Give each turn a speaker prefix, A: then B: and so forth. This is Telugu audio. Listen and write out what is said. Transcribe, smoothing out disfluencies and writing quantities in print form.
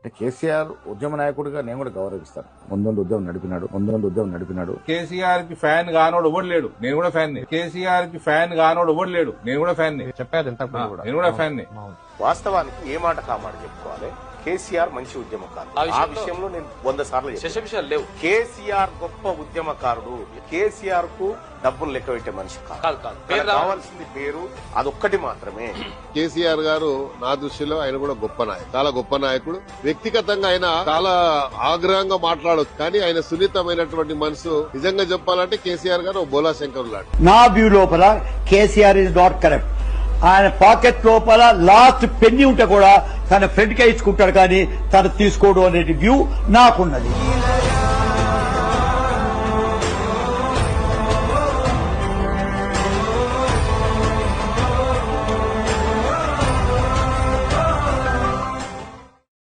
A: కేసీఆర్ ఉద్యమ నాయకుడిగా నేను కూడా గౌరవిస్తాను. ముందు ఉద్యమం నడిపినాడు.
B: కేసీఆర్ కి ఫ్యాన్ కానోడు ఎవడు లేడు, నేను కూడా ఫ్యాన్ ని. కేసీఆర్ కి ఫ్యాన్ కానోడు ఎవడు లేడు, నేను కూడా ఫ్యాన్ ని.
C: చెప్పారు
B: నేను కూడా ఫ్యాన్ ని.
D: వాస్తవానికి ఏ మాట కామాట చెప్పుకోవాలి. కేసీఆర్ మంచి ఉద్యమకారుడు. ఆ విషయంలో నేను 100 సార్లు
E: విషయాలు లేవు.
D: కేసీఆర్ గొప్ప ఉద్యమకారుడు. కేసీఆర్ కు డబ్బులు లెక్క పెట్టే మనిషి కాదు. కావాల్సింది పేరు, అదొక్కటి మాత్రమే.
F: కేసీఆర్ గారు నా దృష్టిలో ఆయన కూడా గొప్ప నాయకుడు, చాలా గొప్ప నాయకుడు. వ్యక్తిగతంగా ఆయన చాలా ఆగ్రహంగా మాట్లాడొచ్చు, కానీ ఆయన సున్నితమైనటువంటి మనసు. నిజంగా చెప్పాలంటే కేసీఆర్ గారు బోలా శంకర్ లాంటి.
G: నా వ్యూ లోపల కేసీఆర్ ఇస్ నాట్ కరెక్ట్. ఆయన పాకెట్ లోపల లాస్ట్ పెన్ని ఉంటే కూడా తన ఫ్రెండ్ కే ఇచ్చుకుంటాడు, కానీ తను తీసుకోవడం అనే వ్యూ నాకున్నది.